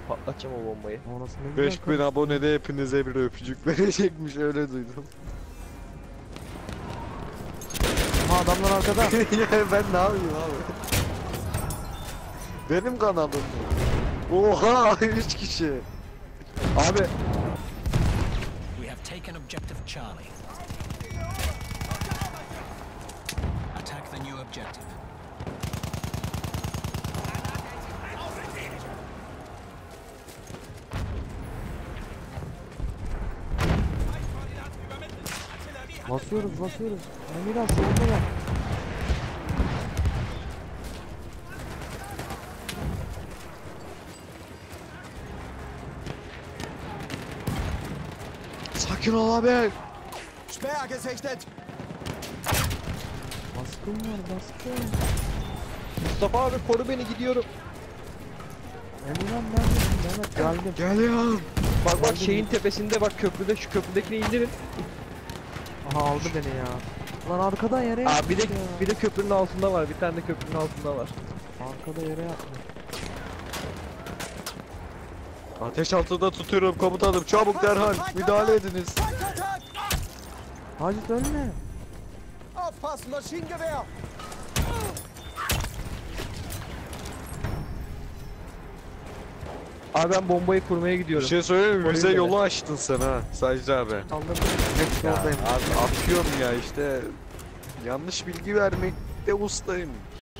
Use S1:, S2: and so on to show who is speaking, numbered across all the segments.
S1: Patlatacağım o bombayı.
S2: Orası ne güzel
S3: 5000 abonede hepinize bir öpücük verecekmiş, öyle duydum.
S2: Aha adamlar arkada.
S3: Ya ben ne yapayım abi? Benim kanalım bu. Oha 3 kişi. Abi
S4: We have taken objective Charlie. Attack the new objective.
S2: Basıyoruz. Emirhan solunda ya.
S3: sakin ol abi.
S5: Sperr gesichtet!
S2: Baskın var baskın.
S1: Mustafa abi koru beni, gidiyorum.
S2: Emirhan neredesin Mehmet? Geldim.
S3: Geliyorum.
S1: Bak şeyin tepesinde, bak köprüde, şu köprüdekini indirin.
S2: Aha aldı beni ya. Lan arkada yere
S1: Aa
S2: yatmış
S1: bir de
S2: ya.
S1: bir de köprünün altında var. Bir tane de köprünün altında var.
S2: Arkada yere yatmış.
S3: Ateş altında tutuyorum komutanım, çabuk derhal müdahale ediniz.
S5: Feindkontakt!
S2: Hacit ölme.
S5: Aufpassen, Maschinengewehr!
S1: Abi ben bombayı kurmaya
S3: Bir
S1: gidiyorum.
S3: şey söyleyeyim mi? Bize
S1: Orayı
S3: yolu açtın sen ha Sadece abi.
S2: Kaldırdım. Hepsi
S3: Ya
S2: oradayım.
S3: abi atıyorum ya işte. Yanlış bilgi vermekte ustayım.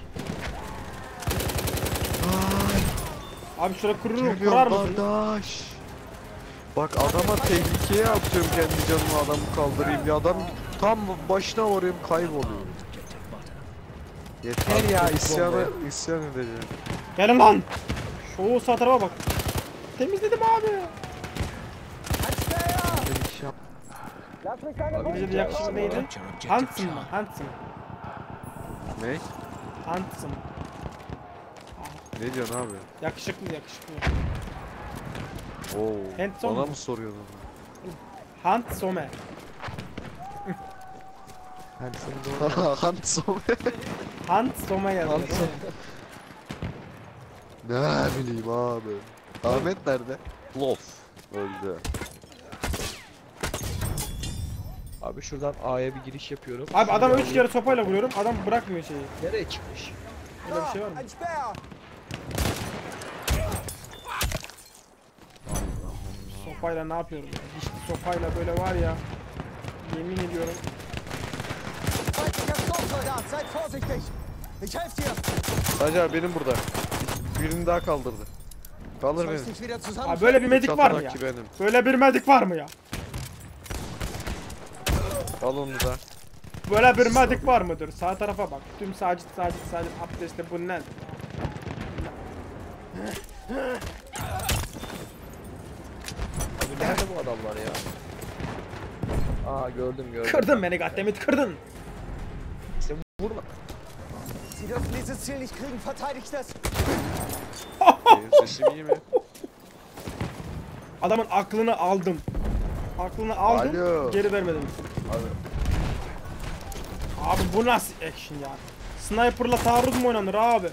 S6: Abi şuraya kurar
S3: Geliyorum
S6: mısın?
S3: kardeş. Bak adama tehlikeye atıyorum, kendi canımı adamı kaldırayım ya, adam tam başına varayım kayboluyor. Yeter ya, isyan edeceğim.
S6: Gelin lan. Şu sağ tarafa bak. Temizledim abi.
S2: Bir iş yap.
S6: Bize de yakışıklı neydi?
S4: Capture objective
S6: Handsome mı?
S4: Charlie.
S6: Handsome.
S3: Ne?
S6: Handsome.
S3: Ne diyorsun abi?
S6: Yakışıklı.
S3: Oo.
S6: Handsome
S3: Bana
S6: mı?
S3: mı soruyorsun?
S6: Handsome.
S2: Ben seni doğru.
S3: Handsome.
S6: Handsome yazıyor.
S3: Ne bileyim abi. Ahmet nerede? Lof. Öldü.
S1: Abi şuradan A'ya bir giriş yapıyorum.
S6: Abi adam 3 kere sopayla vuruyorum. Adam bırakmıyor şeyi.
S1: Nereye çıkmış?
S6: Öyle bir şey var mı?
S5: Ein Sperr!
S6: Sopayla ne yapıyorum ya? İşte sopayla böyle var ya. Yemin ediyorum.
S5: Feindlicher Sturmsoldat, seid vorsichtig! Ich helfe dir!
S3: Sadece abi benim burada. Birini daha kaldırdı. Kaldır
S5: Soll
S3: beni.
S5: ich dich wieder
S6: Abi
S5: zusammen...
S6: böyle bir medik var mı ya?
S3: Çatıdaki benim.
S6: Böyle bir medik var mı ya?
S3: Al onu da.
S6: Böyle bir medik var mıdır? Sağ tarafa bak. Tüm sacit abdestte bu ne?
S1: Abi nerede bu adamlar ya? Aa gördüm.
S6: Kırdın beni goddammit kırdın.
S1: Sen vurma.
S5: Sie dürfen dieses Ziel nicht kriegen, verteidigt es!
S3: Benim sesim iyi mi?
S6: Adamın aklını aldım. Aklını aldım.
S3: Alo.
S6: Geri vermedim. Abi bu nasıl action ya? Sniper'la taarruz mu oynanır abi?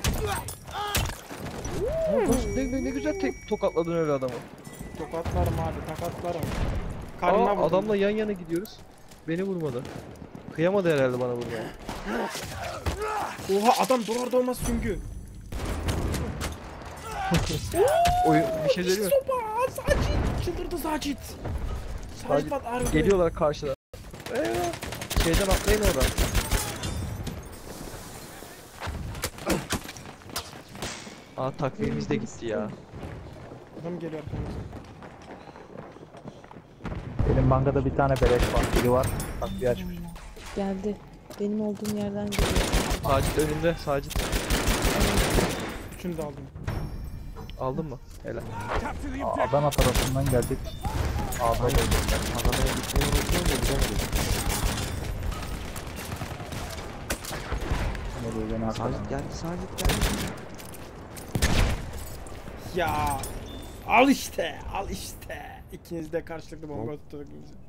S1: Ne güzel tek tokatladın öyle adamı.
S6: Tokatlarım abi, takatlarım. Karnına
S1: Aa,
S6: vurdum.
S1: adamla yan yana gidiyoruz. Beni vurmadı. Kıyamadı herhalde bana vurmaya.
S6: Oha adam doğar olmaz süngü.
S1: Oyun bir şey söyleyeyim mi?
S6: Sopa! Sacit! Çıldırdı Sacit! Sacit bak ağrıyor.
S1: Geliyorlar karşıda. Şeyden atlayın oradan. Aa takvimimiz de gitti ya.
S6: Adam geliyor arkamızda.
S7: Benim bankada bir tane beleş var. Biri var. Takviye açmış.
S8: Geldi. Benim olduğum yerden geliyor.
S1: Sacit önünde, Sacit.
S6: Üçünü de aldım.
S1: Aldın mı? Helal.
S7: Adana tarafından gelecek. Adana'ya
S2: Gitmeye uğraşıyorum da gidemedim.
S7: Nereye beni arkadan.
S2: Sacit geldi.
S6: Ya al işte. İkiniz de karşılıklı bomba tutturduk bizi.